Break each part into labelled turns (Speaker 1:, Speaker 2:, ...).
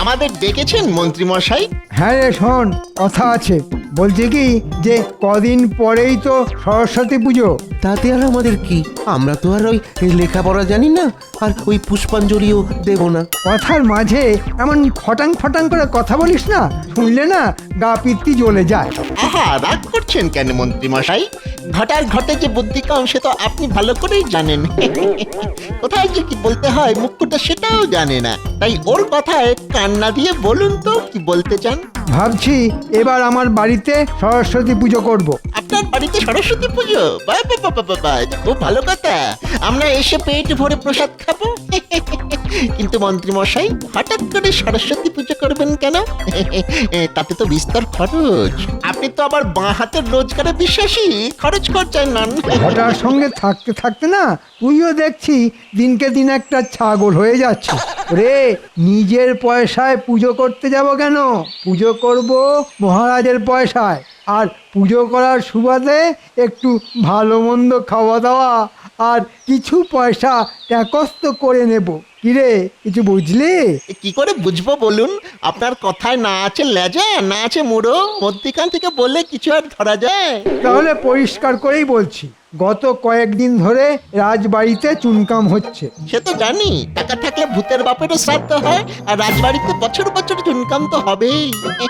Speaker 1: আমাদের ডেকেছেন মন্ত্রী মশাই?
Speaker 2: হ্যাঁ রে শোন, কথা আছে। বলছি কি যে কদিন পরেই তো সরস্বতী পুজো।
Speaker 3: তাতে আর আমাদের কি? আমরা তো আর ওই লেখাপড়া জানি না, আর ওই পুষ্পাঞ্জলিও দেব না।
Speaker 2: কথার মাঝে এমন ফটাং ফটাং করে কথা বলিস না, শুনলে না গা পিত্তি জ্বলে যায়।
Speaker 1: আহা, রাগ করছেন কেন মন্ত্রী মশাই? ঘটার ঘটে যে বুদ্ধি কম সে তো আপনি ভালো করেই জানেন। কোথায় যে কি বলতে হয় মুখ্যটা সেটাও জানে না, তাই ওর কথায় কান্না দিয়ে বলুন তো কি বলতে চান।
Speaker 2: ভাবছি এবার আমার বাড়িতে সরস্বতী পুজো করব।
Speaker 1: আপনার বাড়িতে সরস্বতী পুজো? বাহ বাহ বাহ বাহ বাহ, এটা খুব ভালো কথা। আমরা এসে পেট ভরে প্রসাদ খাবো। কিন্তু মন্ত্রী মশাই, হঠাৎ করে সরস্বতী পুজো করবেন কেন? তাতে তো বিস্তর খরচ। আপনি তো আবার বাঁ হাতের রোজগারে বিশ্বাসী, খরচ করছেন না।
Speaker 2: ঘটার সঙ্গে থাকতে থাকতে না তুইও দেখছি দিনকে দিন একটা ছাগল হয়ে যাচ্ছে রে। নিজের পয়সায় পুজো করতে যাব কেন? পুজো করব মহারাজের পয়সায়, আর পুজো করার সুবাদে একটু ভালো মন্দ খাওয়া দাওয়া আর কিছু পয়সা ট্যাকস্ত করে নেব। কিরে, কিছু বুঝলি?
Speaker 1: কি করে বুঝবো বলুন? আপনার কথায় না আছে লেজা, না আছে মুড়ো, মধ্যিখান থেকে বললে কিছু আর ধরা যায়?
Speaker 2: তাহলে পরিষ্কার করেই বলছি, গত কয়েকদিন ধরে রাজবাড়িতে চুনকাম হচ্ছে।
Speaker 1: সে তো জানি, টাকা থাকলে ভূতের বাপেরও শ্রাদ্ধ হয়, আর রাজবাড়িতে বছর বছর চুনকাম তো হবেই।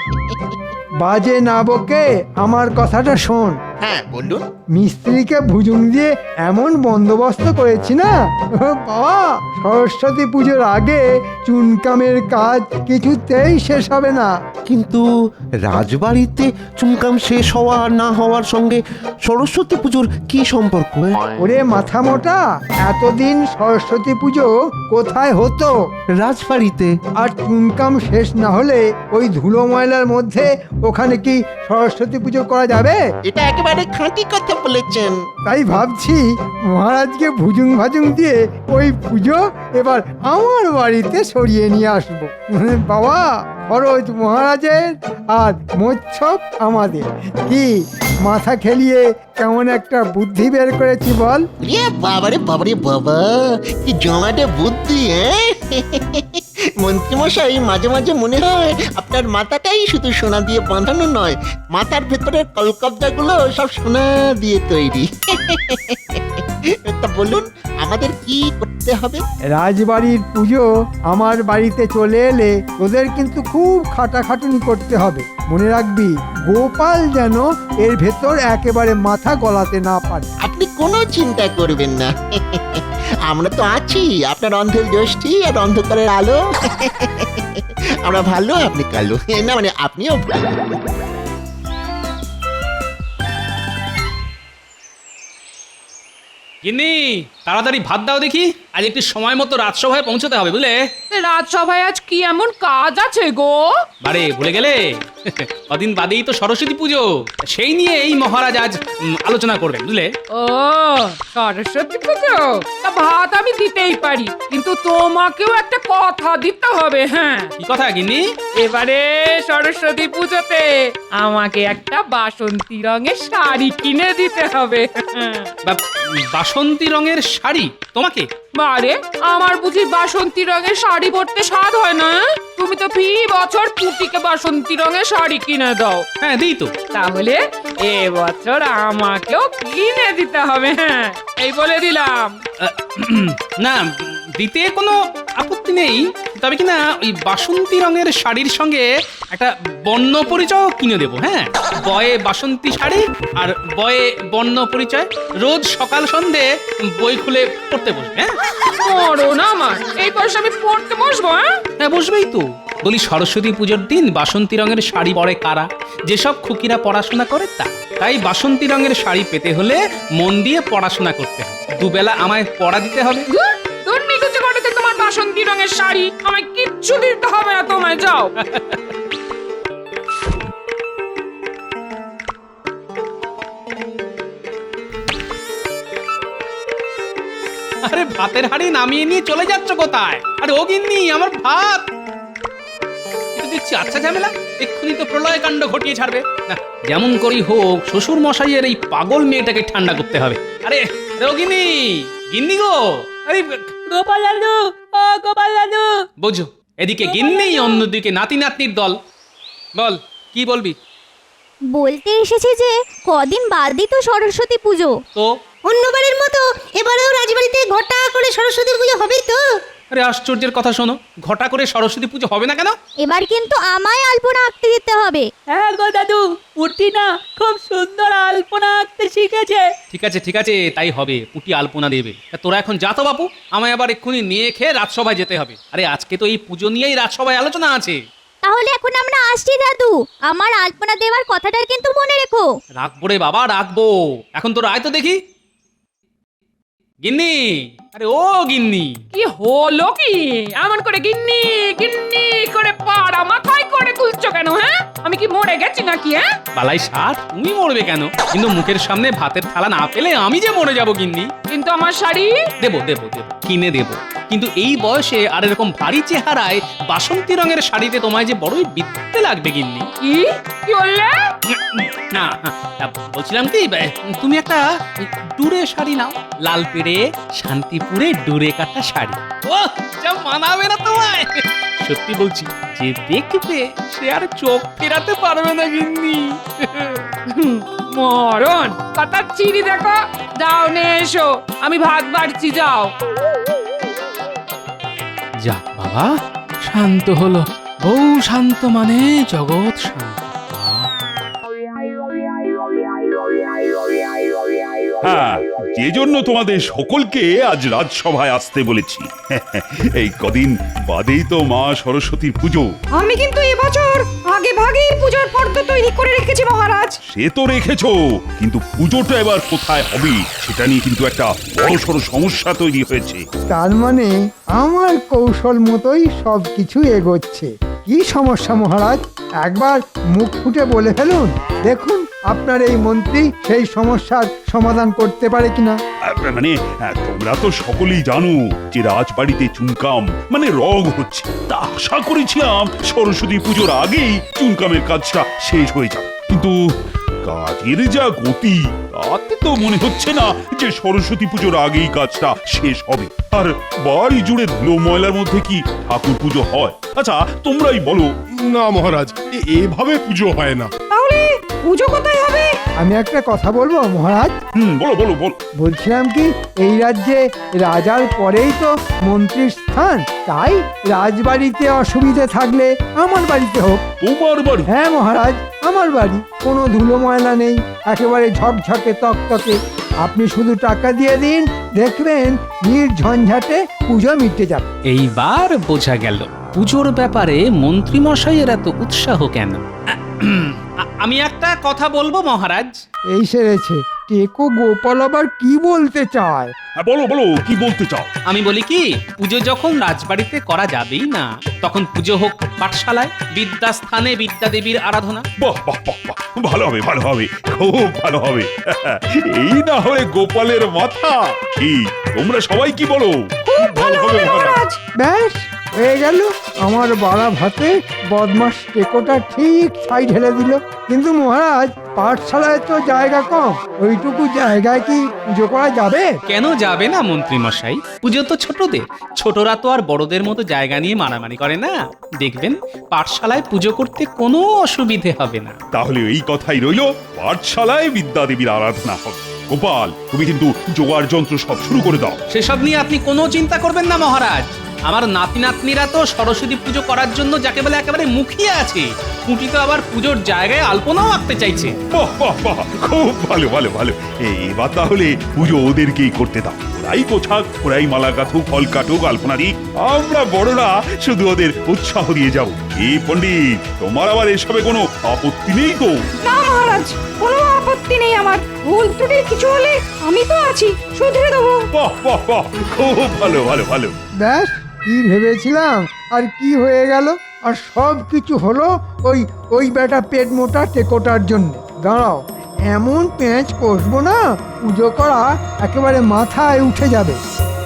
Speaker 2: বাজে না বকে আমার কথাটা শোন।
Speaker 1: হ্যাঁ বলুন।
Speaker 2: মিস্ত্রিকে ভুজুং দিয়ে এমন বন্দোবস্ত করেছি না বাবা, সরস্বতী পুজোর আগে চুনকামের কাজ কিছুতেই শেষ হবে না।
Speaker 3: কিন্তু রাজবাড়িতে চুনকাম শেষ হওয়া আর না হওয়ার সঙ্গে সরস্বতী পুজোর কি সম্পর্ক?
Speaker 2: ওরে মাথা মোটা, এতদিন সরস্বতী পুজো কোথায় হতো?
Speaker 3: রাজবাড়িতে।
Speaker 2: আর চুনকাম শেষ না হলে ওই ধুলো ময়লার মধ্যে ওখানে কি সরস্বতী পুজো করা যাবে?
Speaker 1: এটা একেবারে খাঁটি কথা বলেছেন।
Speaker 2: তাই ভাবছি মহারাজকে ভুজুং ভাজুং দিয়ে ওই পুজো এবার আমার বাড়িতে সরিয়ে নিয়ে আসবো। বাবা, খরচ মহারাজের আর মোচ্ছব আমাদের। কি মাথা খেলিয়ে কেমন একটা বুদ্ধি বের করেছি বল?
Speaker 1: বাবারে বাবারে বাবা, কি জমাটে বুদ্ধি! মন্ত্রী মশাই, মাঝে মাঝে মনে হয় আপনার মাথাটাই শুধু সোনা দিয়ে বাঁধানো নয়, মাথার ভেতরের কলকবজাগুলো সব সোনা দিয়ে তৈরি। তা বলুন, আমাদের কি করতে হবে?
Speaker 2: রাজবাড়ির পুজো আমার বাড়িতে চলে এলে তোদের কিন্তু খুব খাটাখাটুনি করতে হবে। মনে রাখবি, গোপাল যেন এর ভেতর একেবারে মাথা গলাতে না পারে।
Speaker 1: আপনি কোনো চিন্তা করবেন না, আমরা তো আছি, আপনার অন্ধের জ্যোষ্ঠী আর অন্ধকারের আলো। আমরা ভালো, আপনি কালো না, মানে আপনিও ভালো।
Speaker 4: গিন্নি, তাড়াতাড়ি ভাত দাও দেখি, আজ একটু সময় মতো রাজসভায় পৌঁছতে হবে বুঝলে।
Speaker 5: রাজসভায় আজ কি এমন কাজ আছে গো?
Speaker 4: বারে ভুলে গেলে? কদিন বাদেই তো সরস্বতী পুজো, সেই নিয়ে এই মহারাজ আজ আলোচনা করবেন বুঝলে।
Speaker 5: ও সরস্বতী পুজো, তা ভাত আমি দিতেই পারি, কিন্তু তোমাকেও একটা কথা দিতে হবে। হ্যাঁ,
Speaker 4: কি কথা গিন্নি?
Speaker 5: এবারে সরস্বতী পুজোতে আমাকে একটা বাসন্তী রঙের শাড়ি কিনে দিতে হবে।
Speaker 4: বাসন্তী রঙের শাড়ি তোমাকে?
Speaker 5: বারে, আমার বুঝি বাসন্তী রঙের শাড়ি পরতে স্বাদ হয় না? তুমি তো ফি বছর পুটিকে বাসন্তী রঙের শাড়ি কিনে দাও।
Speaker 4: হ্যাঁ দিই তো।
Speaker 5: তাহলে এবছর আমাকেও কিনে দিতে হবে। হ্যাঁ, এই বলে দিলাম।
Speaker 4: না, দিতে কোনো আপত্তি নেই, তবে কিনা ওই বাসন্তী রঙের শাড়ির সঙ্গে একটা বর্ণ পরিচয় কিনে দেবো। হ্যাঁ, বয়ে বাসন্তী শাড়ি আর বয়ে বর্ণ পরিচয়, রোজ সকাল সন্ধে বই খুলে পড়তে বসবে। হ্যাঁ,
Speaker 5: মরো না আমার, এই বয়সে আমি পড়তে বসবো?
Speaker 4: হ্যাঁ বসবেই তো। বলি, সরস্বতী পুজোর দিন বাসন্তী রঙের শাড়ি পরে কারা? যেসব খুকিরা পড়াশোনা করে তা। তাই বাসন্তী রঙের শাড়ি পেতে হলে মন দিয়ে পড়াশোনা করতে হবে, দুবেলা আমায় পড়া দিতে হবে।
Speaker 5: দুর্নীতি করতে তোমার বাসন্তী রঙের শাড়ি আমায় কিচ্ছু দিতে হবে না, তোমায় যাও।
Speaker 4: আরে ভাতের হাঁড়ি নামিয়ে নিয়ে চলে যাচ্ছ কোথায়? আরে ও গিন্নি, আমার ভাত। দেখছি আচ্ছা ঝামেলা, এক্ষুনি তো প্রলয় কাণ্ড ঘটিয়ে ছাড়বে। না, যেমন করি হোক শ্বশুর মশাইয়ের এই পাগল মেয়েটাকে ঠান্ডা করতে হবে। আরে গিন্নি, গিন্নি গো, আরে
Speaker 5: গোপাল দাদু, ও গোপাল দাদু।
Speaker 4: বোঝো, এদিকে গিন্নি, অন্যদিকে নাতি নাতনির দল। বল, কি বলবি?
Speaker 6: বলতে এসেছি যে কদিন বাদই তো সরস্বতী পুজো।
Speaker 4: তো
Speaker 7: অন্যবারের মতো এবারেও রাজবাড়িতে ঘটা করে সরস্বতী পুজো হবে তো?
Speaker 4: আরে আশ্চর্যের কথা শোনো, ঘটা করে সরস্বতী পুজো হবে না কেন?
Speaker 6: এবার কিন্তু আমায় আলপনা আঁকতে দিতে হবে।
Speaker 8: হ্যাঁ গো দাদু, পুটি না খুব সুন্দর আলপনা আঁকতে শিখেছে।
Speaker 4: ঠিক আছে, তাই হবে। পুটি আলপনা দেবে। তা তোরা এখন যা তো বাপু, আমায় আবার এক্ষুনি নিয়ে খেয়ে রাজসভায় যেতে হবে। আরে আজকে তো এই পুজো নিয়েই রাজসভায় আলোচনা আছে।
Speaker 6: তাহলে এখন আমরা আসছি দাদু, আমার আলপনা দেওয়ার কথাটা কিন্তু মনে রেখো।
Speaker 4: রাখবো রে বাবা, রাখবো। এখন তোরা আয় তো দেখি। গিন্নি, আরে ও গিন্নি,
Speaker 5: কি হলো কি? এমন করে গিন্নি গিন্নি করে পাড়া মাথায় করে তুলছো কেন? হ্যাঁ, আমি কি মরে গেছি নাকি? হ্যাঁ,
Speaker 4: বালাই ষাট, তুমি মরবে কেন? কিন্তু মুখের সামনে ভাতের থালা না পেলে আমি যে মরে যাব গিন্নি।
Speaker 5: কিন্তু আমার শাড়ি
Speaker 4: দেবো, কিনে দেবো। কিন্তু এই বয়সে আর এরকম ভারী চেহারায় বাসন্তী রঙের শাড়িতে তোমায় যে বড়ই বিদ্যে লাগবে গিন্নি।
Speaker 5: কি কি বললে?
Speaker 4: না, বলছিলাম কি, তুমি একটা ডুরে শাড়ি নাও, লাল পেড়ে শান্তিপুরে ডুরে কাটা শাড়ি। ও যা মানাবে না তোমায়, সত্যি বলছি। যে দেখবে সে আর চোখ ফেরাতে পারবে না গিন্নি।
Speaker 5: মরণ কথা চিনি দেখো। যাও নে এসো, আমি ভাত বাড়ছি, যাও।
Speaker 4: যাক বাবা, শান্ত হলো। বউ শান্ত মানে জগৎ শান্ত।
Speaker 9: হ্যাঁ, যে জন্য তোমাদের সকলকে আজ রাজসভায় আসতে বলেছি। এই কদিন বাদেই তো মা সরস্বতীর পুজো।
Speaker 7: আমি কিন্তু এবছর আগে ভাগেই পূজার ফর্দ তৈরি করে রেখেছি মহারাজ।
Speaker 9: সে তো রেখেছো, কিন্তু পুজোটা এবার কোথায় হবে সেটা নিয়ে কিন্তু একটা বড়সড় সমস্যা তৈরি হয়েছে।
Speaker 2: তার মানে আমার কৌশল মতোই সব কিছু এগোচ্ছে। কি সমস্যা মহারাজ? একবার মুখ ফুটে বলে ফেলুন, দেখুন আপনার এই মন্ত্রী সেই সমস্যার সমাধান করতে পারে কিনা।
Speaker 9: মানে তোমরা তো সকলেই জানো যে রাজবাড়িতে চুনকাম মানে রগ হচ্ছে। তা আশা করেছিলাম সরস্বতী পুজোর আগেই চুনকামের কাজটা শেষ হয়ে যাবে, কিন্তু কাজের যা গতি তাতে তো মনে হচ্ছে না যে সরস্বতী পুজোর আগেই কাজটা শেষ হবে। আর বাড়ি জুড়ে ধুলো ময়লার মধ্যে কি ঠাকুর পুজো হয়? আচ্ছা তোমরাই বলো।
Speaker 10: না মহারাজ, এভাবে পুজো হয় না।
Speaker 7: তাহলে পুজো কোথায় হবে?
Speaker 2: আমি একটা কথা বলবো মহারাজ।
Speaker 9: বলো বলো বলো।
Speaker 2: বলছিলাম কি, এই রাজ্যে রাজার পরেই তো মন্ত্রীর স্থান, তাই রাজবাড়িতে অসুবিধে থাকলে আমার বাড়িতে হোক।
Speaker 9: তোমার বাড়ি?
Speaker 2: হ্যাঁ মহারাজ, আমার বাড়ি। কোনো ধুলো ময়লা নেই, একেবারে ঝকঝকে তকতকে। আপনি শুধু টাকা দিয়ে দিন, দেখবেন নির্ঝঞ্ঝাটে পুজো মিটে যাবে।
Speaker 4: এইবার বোঝা গেল পুজোর ব্যাপারে মন্ত্রী মশাইয়ের এত উৎসাহ কেন। আমি একটা কথা বলবো মহারাজ।
Speaker 2: এই সেরেছে, টেকো গোপাল আবার কি বলতে চায়?
Speaker 9: হ্যাঁ বলো বলো, কি বলতে চাও?
Speaker 4: আমি বলি কি, পুজো যখন রাজবাড়িতে করা যাবেই না, তখন পুজো হোক পাঠশালায়, বিদ্যাস্থানে বিদ্যাদেবীর আরাধনা।
Speaker 9: বাহ বাহ বাহ বাহ, ভালো হবে ভালো হবে, খুব ভালো হবে। এই না হয় গোপালের মাথা। কি তোমরা সবাই কি বলো?
Speaker 7: খুব ভালো হবে মহারাজ।
Speaker 2: ব্যাস হয়ে গেল, আমার বাড়া ভাতে বদমাস টেকোটা ঠিক ছাই ঢেলে দিল। কিন্তু মহারাজ, পাঠশালায় তো জায়গা কম, ওইটুকু জায়গায় কি পুজো করা যাবে?
Speaker 4: কেন যাবে না মন্ত্রী মশাই? পুজো তো ছোটদের, ছোটরা তো আর বড়দের মতো জায়গা নিয়ে মারামারি করে না। দেখবেন পাঠশালায় পুজো করতে কোনো অসুবিধে হবে না।
Speaker 9: তাহলে এই কথাই রইলো, পাঠশালায় বিদ্যাদেবীর আরাধনা হবে। গোপাল, তুমি কিন্তু জোগাড় যন্ত্র সব শুরু করে দাও।
Speaker 4: সেসব নিয়ে আপনি কোনো চিন্তা করবেন না মহারাজ। আমার নাতি নাতনিরা তো সরস্বতী পুজো করার জন্য যাকে বলে একেবারে মুখিয়ে আছে। পুঁটি তো আবার পুজোর জায়গায় আলপনাও আঁকতে চাইছে।
Speaker 9: বাহ বাহ বাহ, খুব ভালো ভালো ভালো। এবার তাহলে পুজো ওদেরকেই করতে দাও। ওরাই গোছাক, ওরাই মালা গাঁথুক, ফল কাটুক, আলপনা দিক। আমরা বড়রা শুধু ওদের উৎসাহ দিয়ে যাব। এই পণ্ডিত, তোমার আবার এসবে কোনো আপত্তি নেই তো?
Speaker 7: না মহারাজ, কোনো আপত্তি নেই আমার। ভুল ত্রুটি কিছু হলে আমি তো আছি, শুধরে দেবো।
Speaker 9: বাহ বাহ বাহ, খুব ভালো ভালো ভালো।
Speaker 2: ব্যাস, কি ভেবেছিলাম আর কি হয়ে গেল। আর সব কিছু হলো ওই বেটা পেট মোটা টেকোটার জন্য। দাঁড়াও, এমন পেঁচ কষবো না, পুজো করা একেবারে মাথায় উঠে যাবে।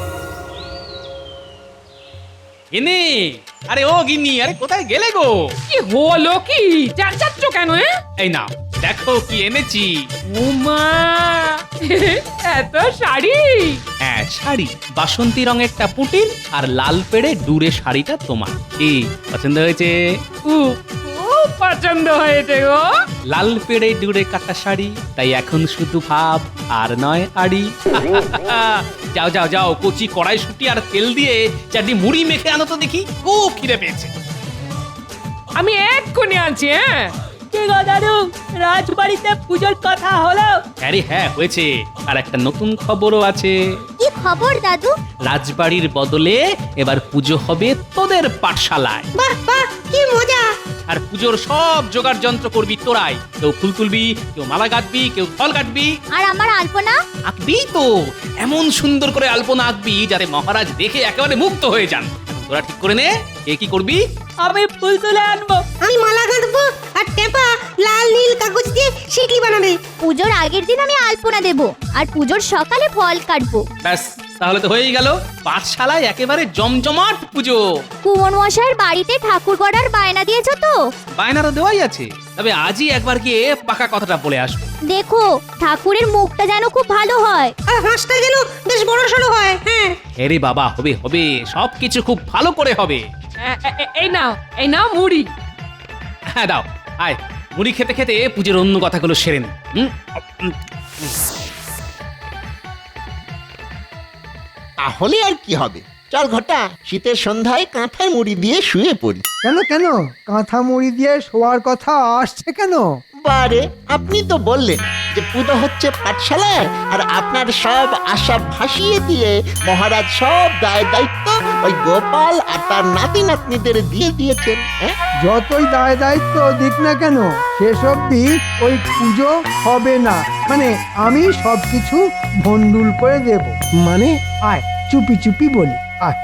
Speaker 4: গিন্নি, আরে ও গিন্নি, আরে কোথায় গেলে গো?
Speaker 5: কি হলো কি? চেঁচাচ্ছ কেন?
Speaker 4: এই নাও দেখো কি এনেছি।
Speaker 5: উমা এত শাড়ি!
Speaker 4: হ্যাঁ, শাড়ি বাসন্তী রঙেরটা পুটির আর লাল পেড়ে ডুরে শাড়িটা তোমার। কি পছন্দ হয়েছে?
Speaker 5: খুব খুব পছন্দ হয়েছে গো।
Speaker 4: লাল পেড়ে ডুরে কাটা শাড়ি, তাই এখন শুধু ভাব আর নয় আড়ি। যাও যাও যাও, কচি কড়াইশুঁটি আর তেল দিয়ে চারটি মুড়ি মেখে আনো তো দেখি, খুব খিদে পেয়েছে।
Speaker 5: আমি এক্ষুনি আনছি। হ্যাঁ,
Speaker 8: কি গো দাদু, রাজবাড়িতে পুজোর কথা হলো?
Speaker 4: আরে হ্যাঁ, হয়েছে। আর একটা নতুন খবরও আছে।
Speaker 6: কি খবর দাদু?
Speaker 4: রাজবাড়ির বদলে এবার পুজো হবে তোদের পাঠশালায়।
Speaker 7: বাহ বাহ, কি মজা!
Speaker 4: আর পুজোর সব জোগাড় যন্ত্র করবি তোরাই। কেউ ফুল তুলবি, কেউ মালা গাঁথবি, কেউ ফল কাটবি।
Speaker 6: আর আমার আলপনা?
Speaker 4: আঁকবি তো, এমন সুন্দর করে আলপনা আঁকবি যাতে মহারাজ দেখে একেবারে মুগ্ধ হয়ে যান। তোরা ঠিক করে নে কে কি করবি।
Speaker 8: আমি ফুল তুলে আনবো।
Speaker 7: আমি মালা গাঁথবো আর টেপা লাল নীল কাগজ দিয়ে শিকলি বানাবে।
Speaker 6: পুজোর আগের দিন আমি আলপনা দেব আর পুজোর সকালে ফল কাটবো।
Speaker 4: ব্যাস, তাহলে তো হয়েই গেল। পাঠশালায় একেবারে জমজমাট পুজো।
Speaker 6: কুমন মশাইয়ের বাড়িতে ঠাকুর গড়ার বায়না দিয়েছো তো?
Speaker 4: বায়নারও দেওয়াই আছে, তবে আজই একবার গিয়ে পাকা কথাটা বলে আসবো।
Speaker 6: দেখো ঠাকুরের মুখটা যেন খুব ভালো হয়।
Speaker 7: আর হাঁসটা যেন বেশ বড় সড়ো হয়। হ্যাঁ,
Speaker 4: আরে বাবা, হবে হবে, সবকিছু খুব ভালো করে হবে।
Speaker 5: এই নাও, এই নাও মুড়ি।
Speaker 4: হ্যাঁ দাও, আয় মুড়ি খেতে খেতে পুজোর অন্য কথাগুলো সেরে নে।
Speaker 1: তাহলে আর কি হবে, চল ঘটা, শীতের সন্ধ্যায় কাঁথায় মুড়ি দিয়ে শুয়ে পড়ি।
Speaker 2: কেন কেন কাঁথা মুড়ি দিয়ে শোয়ার কথা আসছে কেন?
Speaker 1: বারে, আপনি তো বললেন যে পুজো হচ্ছে পাঠশালায়, আর আপনার সব আশা ভাসিয়ে দিয়ে মহারাজ সব দায় দায়িত্ব ওই গোপাল আর তার নাতি নাতনিদের দিয়ে দিয়েছেন। হ্যাঁ,
Speaker 2: যতই দায় দায়িত্ব দিক না কেন, শেষ অবধি ওই পুজো হবে না। মানে আমি সবকিছু ভন্ডুল করে দেব।
Speaker 3: মানে
Speaker 2: আয় চুপি চুপি বলি, আয়।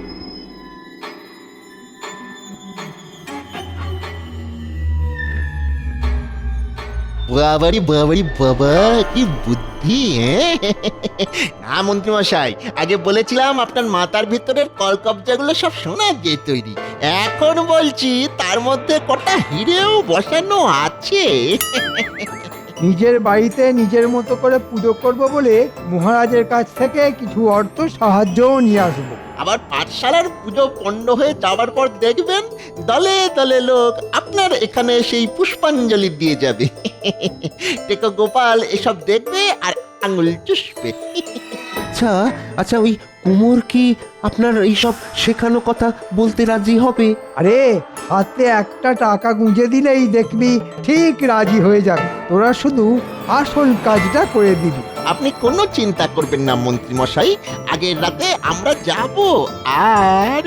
Speaker 1: বাবারি বাবারি বাবা, কি বুদ্ধি! হ্যাঁ না মন্ত্রী মশাই, আগে বলেছিলাম আপনার মাথার ভিতরের কলকবজাগুলো সব সোনা দিয়ে তৈরি। এখন বলছি তার মধ্যে কটা হিরেও বসানো আছে।
Speaker 2: নিজের বাড়িতে নিজের মতো করে পুজো করব বলে মহারাজের কাছ থেকে কিছু অর্থ সাহায্যও নিয়ে আসবো।
Speaker 1: আবার পাঠশালার পুজো পণ্ড হয়ে যাওয়ার পর দেখবেন দলে দলে লোক আপনার এখানে সেই পুষ্পাঞ্জলি দিয়ে যাবে। টেকো গোপাল এসব দেখবে আর আঙুল চুষবে।
Speaker 3: আচ্ছা আচ্ছা, ওই কুমোর কি আপনার এইসব শেখানো কথা বলতে রাজি হবে?
Speaker 2: আরে হাতে একটা টাকা গুঁজে দিলেই দেখবি ঠিক রাজি হয়ে যাবে। তোরা শুধু আসল কাজটা করে দিবি।
Speaker 1: আপনি কোনো চিন্তা করবেন না মন্ত্রী মশাই, আগের রাতে আমরা যাব। আর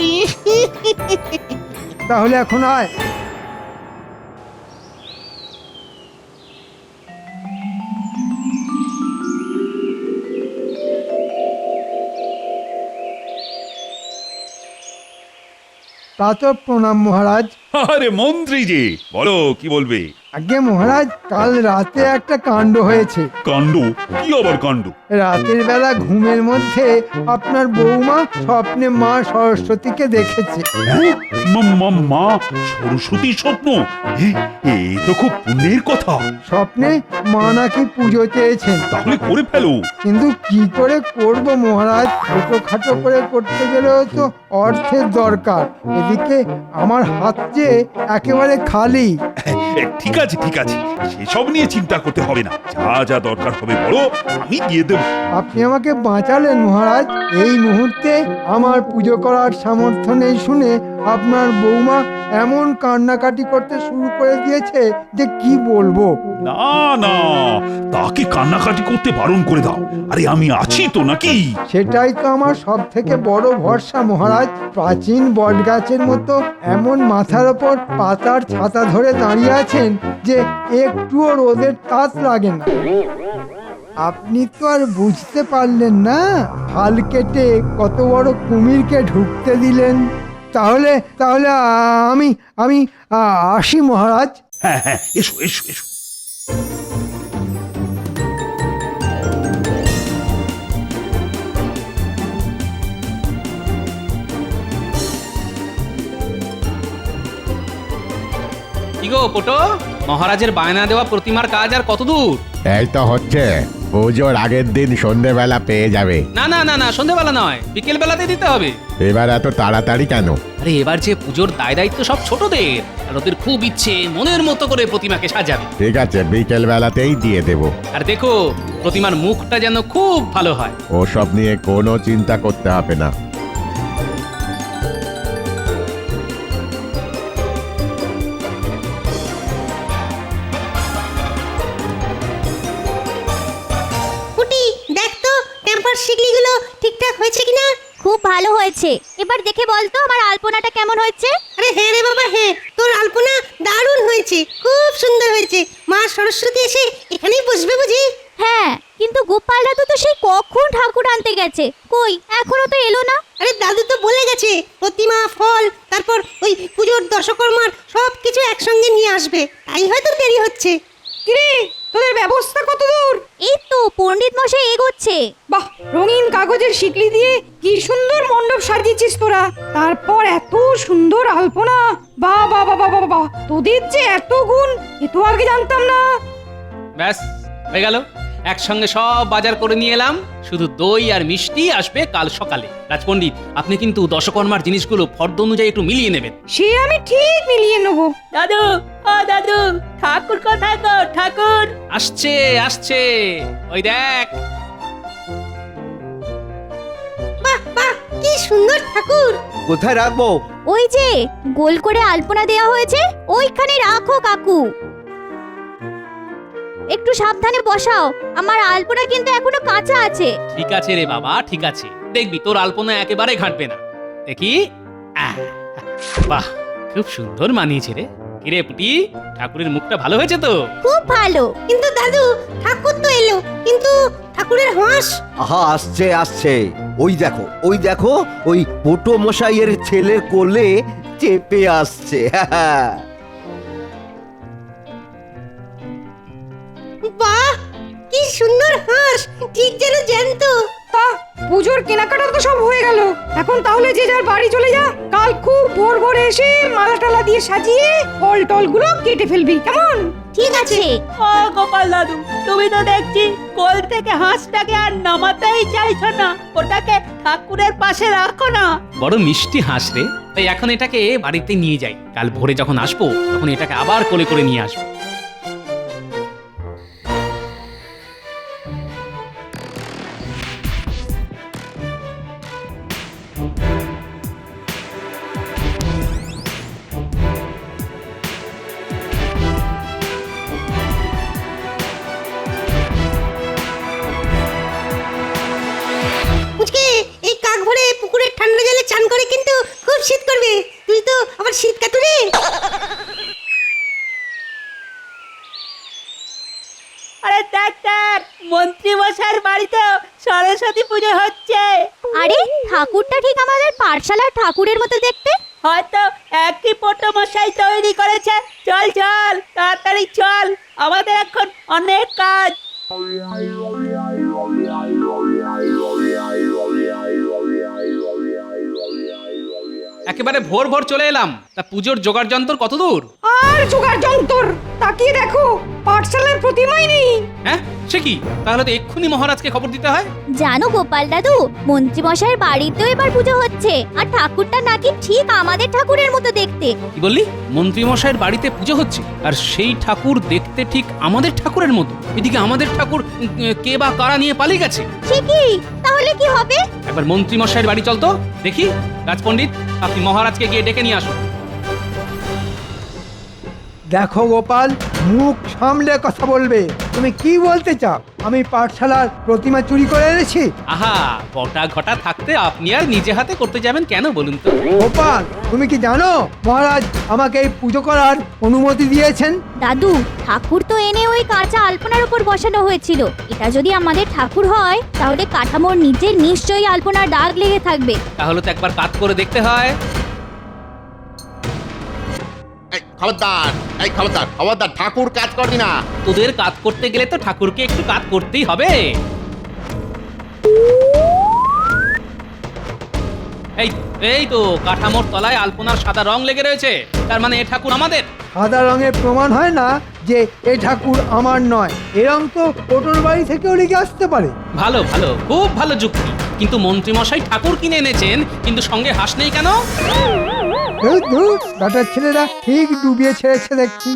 Speaker 2: তাহলে এখন আয়। তা তো প্রণাম মহারাজ।
Speaker 9: আরে মন্ত্রী যে, বলো কি বলবে?
Speaker 2: আগে মহারাজ, কাল রাতে একটা কাণ্ড হয়েছে।
Speaker 9: কাণ্ড? কি আবার কাণ্ড?
Speaker 2: রাতের বেলা ঘুমের মধ্যে আপনার বৌমা স্বপ্নে মা সরস্বতীকে দেখেছে।
Speaker 9: হ্যাঁ? মা সরস্বতী স্বপ্ন? এ তো খুব পুণ্যের কথা।
Speaker 2: স্বপ্নে মা নাকি পুজো চেয়েছেন।
Speaker 9: তাহলে করে ফেলো।
Speaker 2: কিন্তু কি করে করব মহারাজ? ছোটখাটো করে করতে গেলেও তো অর্থের দরকার। এদিকে আমার হাত যে একেবারে খালি।
Speaker 9: ঠিক আছে ঠিক আছে, সেসব নিয়ে চিন্তা করতে হবে না। যা যা দরকার হবে বলো, আমি দিয়ে দেব।
Speaker 2: আপনি আমাকে বাঁচালেন মহারাজ। এই মুহূর্তে আমার পুজো করার সামর্থ্য নেই শুনে আপনার বৌমা এমন কান্নাকাটি করতে শুরু করে দিয়েছে যে কি বলবো।
Speaker 9: না না, তাকে কান্নাকাটি করতে বারণ করে দাও। আরে আমি আছি তো নাকি?
Speaker 2: সেটাই তো আমার সব থেকে বড় ভরসা মহারাজ। প্রাচীন বটগাছের মতো এমন মাথার ওপর পাতার ছাতা ধরে দাঁড়িয়ে আছেন যে একটুও রোদের তাপ লাগে না। আপনি তো আর বুঝতে পারলেন না, হাল কেটে কত বড় কুমিরকে ঢুকতে দিলেন। তাহলে তাহলে আমি আমি আসি মহারাজ।
Speaker 9: হ্যাঁ হ্যাঁ, এসো এসো এসো।
Speaker 4: কি গো পোটো, মহারাজের বায়না দেওয়া প্রতিমার কাজ আর কত দূর?
Speaker 11: এই তো হচ্ছে, পুজোর আগের দিন সন্ধেবেলা পেয়ে যাবে।
Speaker 4: না না না না, সন্ধেবেলা নয়, বিকেল বেলাতে দিতে হবে।
Speaker 11: এবার এত তাড়াতাড়ি কেন?
Speaker 4: আরে এবার যে পুজোর দায় দায়িত্ব সব ছোটদের, আর ওদের খুব ইচ্ছে মনের মতো করে প্রতিমাকে সাজাবে।
Speaker 11: ঠিক আছে, বিকেল বেলাতেই দিয়ে দেব।
Speaker 4: আর দেখো প্রতিমার মুখটা যেন খুব ভালো হয়।
Speaker 11: ওসব নিয়ে কোনো চিন্তা করতে হবে না।
Speaker 6: পুটি দেখ তো টেম্পার শিকলিগুলো ঠিকঠাক হয়েছে কিনা। খুব ভালো হয়েছে। এবার দেখে বল তো আমার আলপনাটা কেমন হয়েছে। আরে হ্যাঁ রে বাবা হ্যাঁ, তোর আলপনা দারুণ হয়েছে, খুব সুন্দর হয়েছে। মা সরস্বতী এসে এখানেই বসবে বুঝি? হ্যাঁ, কিন্তু গোপাল দাদু তো সেই কখন ঠাকুর আনতে গেছে, কই এখনো তো এলো না। আরে দাদু তো বলে গেছে প্রতিমা, ফল, তারপর ওই পুজোর দশকর্মার সব কিছু একসঙ্গে নিয়ে আসবে, তাই হয়তো দেরি হচ্ছে।
Speaker 7: কিরে তোদের ব্যবস্থা কত দূর?
Speaker 6: এই তো পণ্ডিত মশাই এগোচ্ছে।
Speaker 7: বাহ, রঙিন কাগজের শিকলি দিয়ে কি সুন্দর মণ্ডপ সাজিয়েছিস তোরা। তারপর এত সুন্দর আলপনা, বাহ বাহ বাহ বাহ বাহ, তোদের যে এত গুণ, এ তো আগে জানতাম না।
Speaker 4: ব্যাস হয়ে গেল, একসঙ্গে সব বাজার করে নিয়ে এলাম। শুধু দই আর মিষ্টি আসবে কাল সকালে। রাজপণ্ডিত, আপনি কিন্তু দশকর্মার জিনিসগুলো ফর্দ অনুযায়ী একটু মিলিয়ে নেবেন।
Speaker 7: সে আমি ঠিক মিলিয়ে নেবো।
Speaker 8: দাদু, ও দাদু, ঠাকুর কোথায় গো? ঠাকুর
Speaker 4: আসছে আসছে, ওই দেখ।
Speaker 6: বাহ বাহ, কি সুন্দর ঠাকুর।
Speaker 3: কোথায় রাখবো?
Speaker 6: ওই যে গোল করে আলপনা দেওয়া হয়েছে, ওইখানে রাখো কাকু। একটু সাবধানে বসাও, আমার আলপনা কিন্তু এখনো কাঁচা আছে।
Speaker 4: ঠিক আছে রে বাবা, ঠিক আছে, দেখবি তোর আলপনা একেবারে ঘাটবে না। দেখি, আহ, বাহ, খুব সুন্দর মানিয়েছে রে। কিরে পুটি, ঠাকুরের মুখটা ভালো হয়েছে তো?
Speaker 6: খুব ভালো। কিন্তু দাদু, ঠাকুর তো এলো, কিন্তু ঠাকুরের হাঁস।
Speaker 3: আহা, আসছে আসছে, ওই দেখো ওই দেখো, ওই পোটো মশাইয়ের ছেলের কোলে চেপে আসছে।
Speaker 6: বাহ, কি সুন্দর হাঁস, ঠিক যেন জ্যান্ত।
Speaker 7: তা পুজোর কেনাকাটা তো সব হয়ে গেল, এখন তাহলে যে যার বাড়ি চলে যা। কাল খুব ভোর ভোরে এসে মালা টালা দিয়ে সাজিয়ে ফল টল গুলো কেটে ফেলবি, কেমন?
Speaker 6: ঠিক আছে।
Speaker 8: ও গোপাল দাদু, তুমি তো দেখছি কোল থেকে হাঁসটাকে আর নামাতেই চাইছো না। ওটাকে ঠাকুরের পাশে রাখো না।
Speaker 4: বড় মিষ্টি হাঁস রে, তাই এখন এটাকে বাড়িতে নিয়ে যাই। কাল ভোরে যখন আসবো তখন এটাকে আবার কোলে করে নিয়ে আসবো।
Speaker 6: এই কাক ভরে পুকুরের ঠান্ডা জলে চান করে কিন্তু খুব শীত করবে। তুই তো আবার শীত কাতুরে।
Speaker 8: আরে দেখ দেখ, মন্ত্রী মশাইয়ের বাড়িতে সরস্বতী পুজো হচ্ছে।
Speaker 6: আরে ঠাকুরটা ঠিক আমাদের পাঠশালার ঠাকুরের মতো দেখতে।
Speaker 8: হয়তো একই পোটো মশাই তৈরি করেছে। চল চল, তাড়াতাড়ি চল, আমাদের এখন অনেক কাজ।
Speaker 4: একেবারে ভোর ভোর চলে এলাম। তা পুজোর জোগাড় যন্ত্র কত দূর?
Speaker 7: আর জোগাড় যন্তর, তাকিয়ে দেখো পাঠশালার প্রতিমাই নেই।
Speaker 4: হ্যাঁ, সে কি? তাহলে তো এক্ষুনি মহারাজকে খবর দিতে হয়।
Speaker 6: জানো গোপাল দাদু, মন্ত্রী মশাইয়ের বাড়িতেও এবার পুজো হচ্ছে, আর ঠাকুরটা নাকি ঠিক আমাদের ঠাকুরের মতো দেখতে।
Speaker 4: কি বললি? মন্ত্রী মশাইয়ের বাড়িতে পুজো হচ্ছে, আর সেই ঠাকুর দেখতে ঠিক আমাদের ঠাকুরের মতো? এদিকে আমাদের ঠাকুর কে বা কারা নিয়ে পালিয়ে গেছে।
Speaker 6: সে কি? তাহলে কি হবে?
Speaker 4: একবার মন্ত্রী মশাইয়ের বাড়ি চল তো দেখি। রাজপণ্ডিত, আপনি মহারাজকে গিয়ে ডেকে নিয়ে আসুন।
Speaker 2: দেখো গোপাল, মুখ সামলে কথা বলবে। তুমি কি বলতে চাও? আমি পাঠশালার প্রতিমা চুরি করে এনেছি?
Speaker 4: আহা, বটা ঘটা থাকতে আপনি আর নিজে হাতে করতে যাবেন কেন বলুন তো?
Speaker 2: গোপাল, তুমি কি জানো মহারাজ আমাকে এই পুজো করার অনুমতি দিয়েছেন?
Speaker 6: দাদু, ঠাকুর তো এনে ওই কাঁচা আলপনার উপর বসানো হয়েছিল। এটা যদি আমাদের ঠাকুর হয়, তাহলে কাঠামোর নিচে নিশ্চয়ই আলপনার দাগ লেগে থাকবে।
Speaker 4: তাহলে তো একবার কাজ করে দেখতে হয়।
Speaker 11: খবরদার, এই খবরদার, খবরদার, ঠাকুর কাজ করবি না।
Speaker 4: তোদের কাজ করতে গেলে তো ঠাকুরকে একটু কাজ করতেই হবে। এই এই তো কাঠামোর তলায় আলপনার সাদা রং লেগে রয়েছে, তার মানে এ ঠাকুর আমাদের।
Speaker 2: সাদা রঙের প্রমাণ হয় না যে এ ঠাকুর আমার নয়। এরম তো ওটোর বাড়ি থেকেও লেগে আসতে পারে।
Speaker 4: ভালো ভালো, খুব ভালো যুক্তি। কিন্তু মন্ত্রী মশাই ঠাকুর কিনে এনেছেন, কিন্তু সঙ্গে হাঁস নেই কেন?
Speaker 2: বেটার ছেলেরা ঠিক ডুবিয়ে ছেড়েছে দেখছি।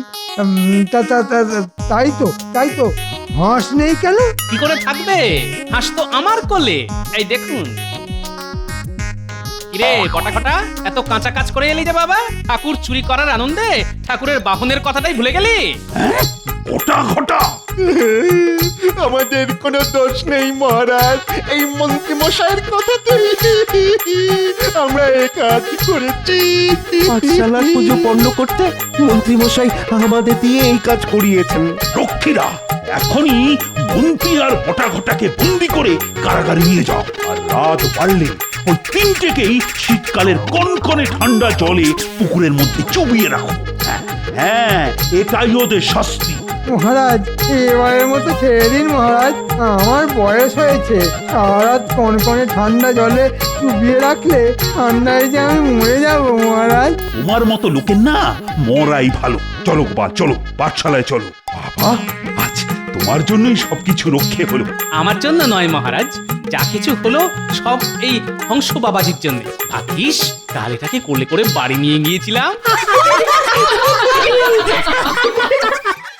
Speaker 2: তাই তো হাঁস নেই কেন?
Speaker 4: কি করে থাকবে? হাঁস তো আমার কোলে। এই দেখুন। কিরে বটাকটা, এত কাঁচা কাজ করে এলি যে বাবা? ঠাকুর চুরি করার আনন্দে ঠাকুরের বাহনের কথাটাই ভুলে গেলি?
Speaker 9: ঘটা ঘটা
Speaker 1: আমাদের কোনো দোষ নেই মহারাজ, এই মন্ত্রী মশাইয়ের কথাতে আমরা এ কাজ করেছি।
Speaker 3: পাঠশালার পুজো পণ্য করতে মন্ত্রী মশাই আমাদের দিয়ে এই কাজ করিয়েছেন।
Speaker 9: রক্ষীরা এখনই মন্ত্রী আর ঘটা ঘটাকে বন্দি করে কারাগারে নিয়ে যাও। আর রাত বাড়লে ওই তিনটেকেই শীতকালের কনকনে ঠান্ডা জলে পুকুরের মধ্যে চুবিয়ে রাখো। হ্যাঁ, এটাই ওদের শাস্তি।
Speaker 2: মহারাজ এবারের মতো ছেড়ে দিন মহারাজ, আমার বয়স হয়েছে। সারা রাত কনকনে ঠান্ডা জলে চুবিয়ে রাখলে ঠান্ডায় যে আমি মরে যাব মহারাজ।
Speaker 9: তোমার মতো লোকের না মরাই ভালো। চলো বা চলো, পাঠশালায় চলো। বাবা, আজ তোমার জন্যই সবকিছু রক্ষে হলো।
Speaker 4: আমার জন্য নয় মহারাজ, যা কিছু হলো সব এই হংস বাবাজির জন্য। ভাগ্যিস কাল এটাকে কোলে করে বাড়ি নিয়ে গিয়েছিলাম।